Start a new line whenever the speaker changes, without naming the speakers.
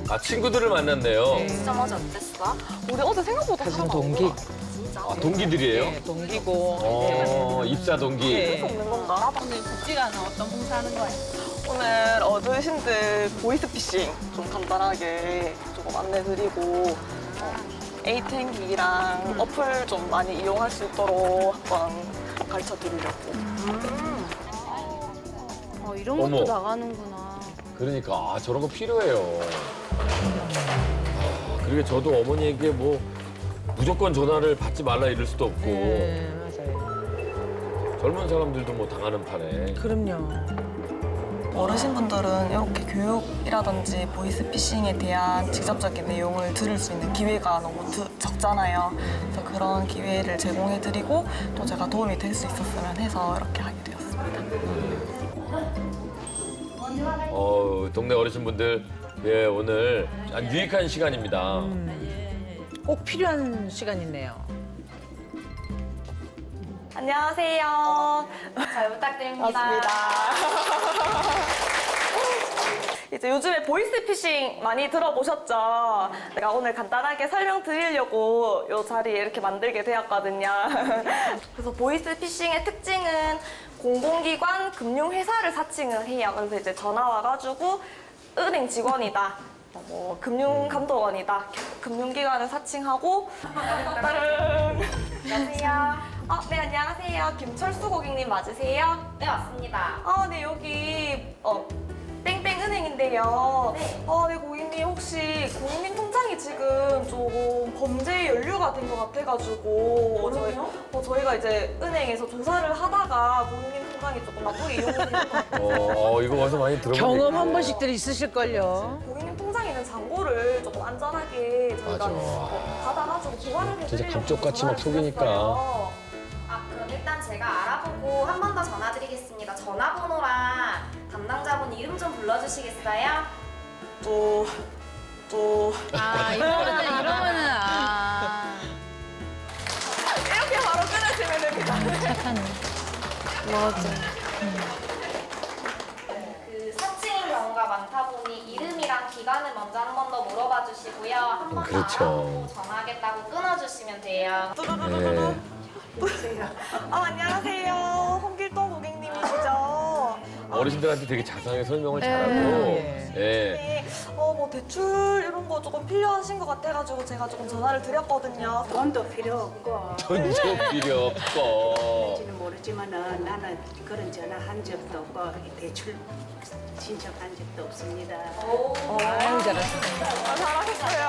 아, 친구들을 만났네요.
진짜 맞아 어땠어? 우리 어제 생각보다
같은
사람
동기.
아, 동기들이에요?
네, 동기고.
입사 동기.
네.
없는 건가?
오늘 국지가는 어떤 봉사하는 거예요?
오늘 어르신들 보이스피싱 좀 간단하게 조금 안내드리고 에이탱기랑 어플 좀 많이 이용할 수 있도록 한번 가르쳐 드리려고.
이런 것도
어머.
나가는구나.
그러니까 아, 저런 거 필요해요. 아, 그리고 저도 어머니에게 뭐 무조건 전화를 받지 말라 이럴 수도 없고
네, 맞아요.
젊은 사람들도 뭐 당하는 판에.
그럼요.
어르신분들은 이렇게 교육이라든지 보이스피싱에 대한 직접적인 내용을 들을 수 있는 기회가 너무 적잖아요. 그래서 그런 기회를 제공해드리고 또 제가 도움이 될 수 있었으면 해서 이렇게 하게 되었습니다.
동네 어르신분들 예, 오늘 아주 유익한 시간입니다.
꼭 필요한 시간이네요.
안녕하세요.
잘 부탁드립니다.
반갑습니다. 이제 요즘에 보이스피싱 많이 들어보셨죠? 제가 오늘 간단하게 설명드리려고 이 자리에 이렇게 만들게 되었거든요. 그래서 보이스피싱의 특징은 공공기관, 금융회사를 사칭을 해요. 그래서 이제 전화 와가지고 은행 직원이다. 뭐 금융감독원이다. 금융기관을 사칭하고 따릉.
안녕하세요.
네, 안녕하세요. 김철수 고객님 맞으세요?
네, 맞습니다.
네, 여기 땡땡은행인데요.
네.
네, 고객님 혹시 고객님 통장이 지금 조금 범죄에 연루가 된 것 같아가지고 저희가 이제 은행에서 조사를 하다가 고객님 통장이 조금 나쁘게 이용되는 것 같아요.
이거 와서 많이 들어본
경험
얘기예요.
한 번씩들 있으실걸요.
고객님 통장에 있는 잔고를 조금 안전하게 저희가
맞아.
받아가지고 보관을 해드리려고
진짜 감쪽같이 막
전화를
속이니까.
드렸어요.
그럼 일단 제가 알아보고 한 번 더 전화드리겠습니다. 전화번호랑 담당자분 이름 좀 불러주시겠어요? 이러면은
이렇게 바로 끊으시면 됩니다.
그 사칭인 경우가 많다 보니 이름이랑 기간을 먼저 한 번 더 물어봐 주시고요. 한 번 더
그렇죠.
알아보고 전화하겠다고 끊어주시면 돼요.
뚜루루루루.
네.
안녕하세요. 홍길동 고객님이시죠?
어르신들한테 되게 자세하게 설명을 잘하고.
네.
예.
네. 뭐 대출 이런 거 조금 필요하신 것 같아가지고 제가 조금 전화를 드렸거든요.
돈도 필요 없고
전적 필요 없고.
지는 모르지만은 나는 그런 전화 한 적도 없고 대출 신청한 적도 없습니다.
아유, 잘하셨어요.
잘하셨어요.